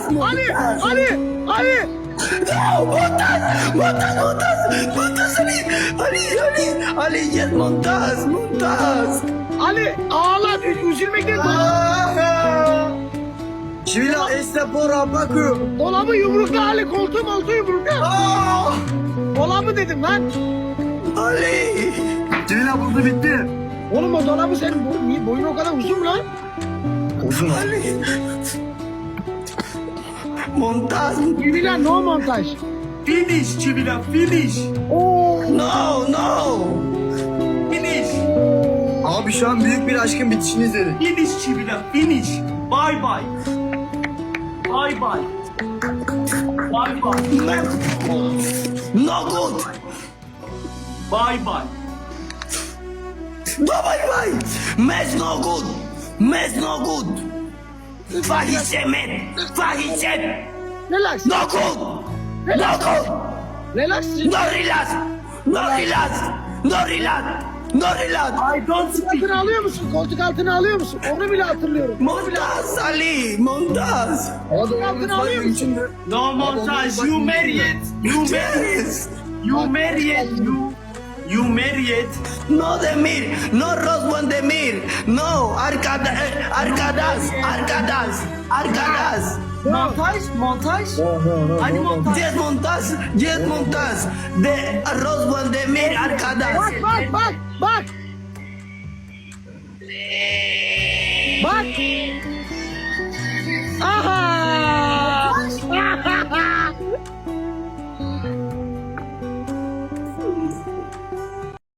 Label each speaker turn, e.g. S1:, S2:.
S1: Ali, Ali, Ali.
S2: No, Montaz, Montaz, Montaz, Montaz, Ali, yes, Montaz, Montaz.
S1: Ali ağla, üzülmekten
S2: Çivila este pora bakıyor.
S1: dolabı yumrukla Ali, koltuğu yumrukla. Dolabı dedim lan.
S2: Ali.
S3: Cemila burada bitti.
S1: Oğlum o dolabı senin niye boyun o kadar uzun mu lan?
S3: Uzun.
S2: Ali. Montaz.
S1: Civila no montaj.
S3: Finish Cemila, finish.
S1: Oo.
S2: No, no.
S3: Finish.
S2: Abi şu an büyük bir aşkın bitişini izledik.
S3: Finish Cemila, finish. Bye bye. Bye bye. Bye bye.
S2: No good.
S3: Bye bye.
S2: No, bye. Mes no good. Mes no good. Fahişe men. Fahişe.
S1: Relax.
S2: No good. No good.
S1: Relax.
S2: No relax. No relax. No relax. No relax.
S3: I don't speak.
S1: Altına alıyor musun? Koltuk altına alıyor musun? Onu bile hatırlıyorum.
S2: Montaz Ali. Montaz.
S1: Koltuk altına alıyor musun?
S3: No montage. You married. You married.
S2: Yes.
S3: You married. You married.
S2: No Demir. No Roswan Demir. No. Arcadas.
S3: Montaj. Hadi montaj.
S2: Yes, Montaz. Yes, Montaz. De Roswan Demir Arcadas.
S1: Bak. Bak. Aha.